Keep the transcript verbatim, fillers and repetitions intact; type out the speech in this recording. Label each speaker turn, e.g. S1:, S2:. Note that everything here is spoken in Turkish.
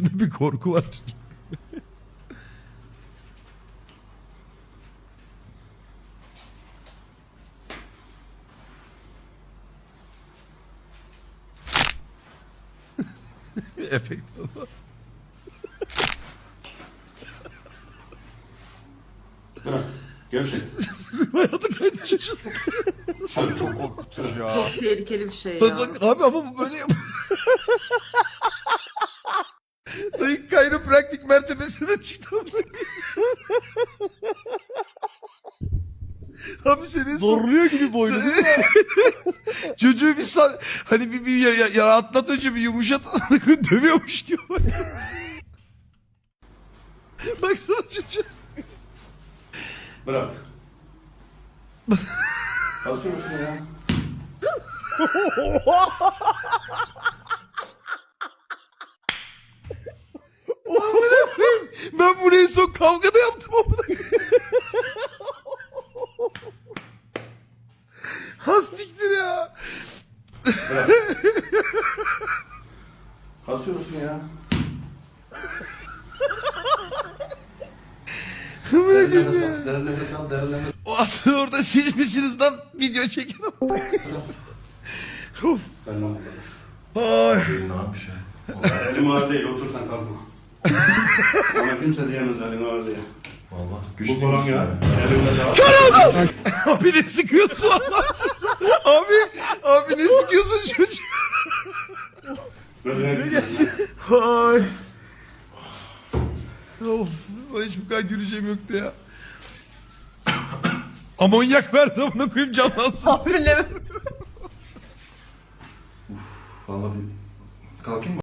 S1: gözünde bir korku var. Efekt.
S2: Bırak. Gevşek.
S1: Hayatı kaydı şaşırdı.
S2: Şöyle çok korkutucu ya.
S3: Çok tehlikeli bir şey ya.
S1: Bak bak abi ama bu böyle yap. Dayı kayropraktik mertebesine çıktı. Abi senin son...
S4: Zorluyor gibi boynu değil mi?
S1: Çocuğu bir sa... hani bir, bir ya, ya, ya rahatlat önce bir yumuşat dövüyormuş gibi. Baksana çocuğa.
S2: Bırak. Basıyor musun ya?
S1: Amına koyayım. Ben bunu en son kavgada yaptım amına koyayım. Ha siktir ya.
S2: Bırak. Basıyor musun ya?
S1: Amına
S2: Derin
S1: koyayım
S2: nefes
S1: ya.
S2: al, derin nefes al, derin nefes
S1: O aslında orada siz misiniz lan video çeken ama.
S2: al.
S1: Of.
S2: Ben lan buradayım.
S1: Ay.
S2: Ne yapmış ya? Elim ağır değil, otursan kalkma. Ama kimse diyemez elim ağır diye.
S5: Valla
S2: Bu falan ya. Elimde daha.
S1: Kör oldum. Abi ne sıkıyorsun Allah'ın Abi, abi ne sıkıyorsun çocuğu?
S2: Gözüne gitmesin.
S1: Ay. Of, bana hiç bu kadar güleceğim yoktu ya. Amonyak verdi amına koyayım canlansın.
S3: Tahminle
S5: Valla bir kalkayım mı?